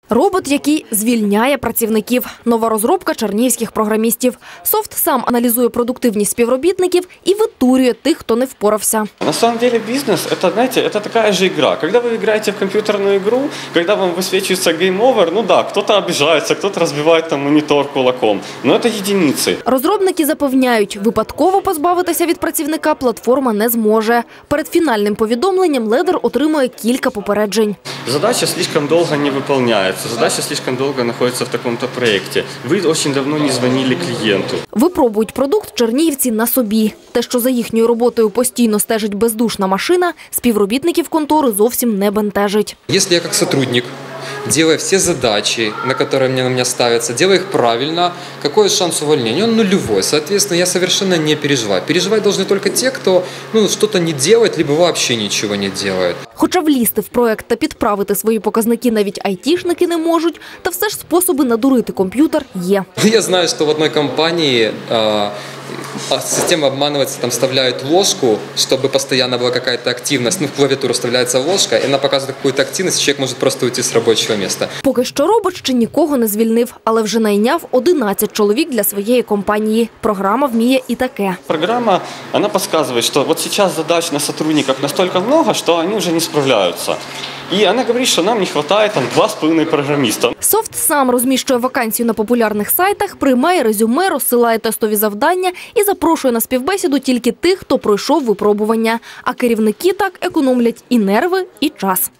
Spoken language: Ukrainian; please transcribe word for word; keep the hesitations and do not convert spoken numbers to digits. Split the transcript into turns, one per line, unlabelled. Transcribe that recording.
Робот, який звільняє працівників. Нова розробка чернігівських програмістів. Софт сам аналізує продуктивність співробітників і витурює тих, хто не впорався.
На самом деле бизнес – это, знаете, это такая же игра. Когда вы играете в компьютерную игру, когда вам высвечивается game over, ну да, кто-то обижается, кто-то разбивает там монитор кулаком, но это единицы.
Розробники запевняють, випадково позбавитися від працівника платформа не зможе. Перед фінальним повідомленням ледер отримує кілька попереджень.
Задача слишком долго не выполняется, задача слишком долго находится в таком-то проекте. Вы очень давно не звонили клиенту.
Випробують продукт чернігівці на собі. Те, що за їхньою роботою постійно стежить бездушна машина, співробітників контори зовсім не бентежить.
Якщо я як сотрудник делая все задачи, на которые мне на меня ставятся, делая их правильно, какой шанс увольнения? Он нулевой. Соответственно, я совершенно не переживаю. Переживать должны только те, кто ну, что-то не делает, либо вообще ничего не делает.
Хоча влізти в проект та підправити свої показники навіть айтішники не можуть, та все ж способи надурити комп'ютер є.
Я знаю, что в одной компании э, система обманывается, там вставляют ложку, чтобы постоянно была какая-то активность. Ну, в клавиатуру вставляется ложка, и она показывает какую-то активность, человек может просто уйти с рабочего места.
Поки що робот ще нікого не звільнив, але вже найняв одинадцять чоловік для своєї компанії. Програма вміє і таке.
Программа, она подсказывает, что вот сейчас задач на сотрудников настолько много, что они уже не справляются. І вона говорить, що нам не вистачає там два з половиною програміста.
Софт сам розміщує вакансію на популярних сайтах, приймає резюме, розсилає тестові завдання і запрошує на співбесіду тільки тих, хто пройшов випробування. А керівники так економлять і нерви, і час.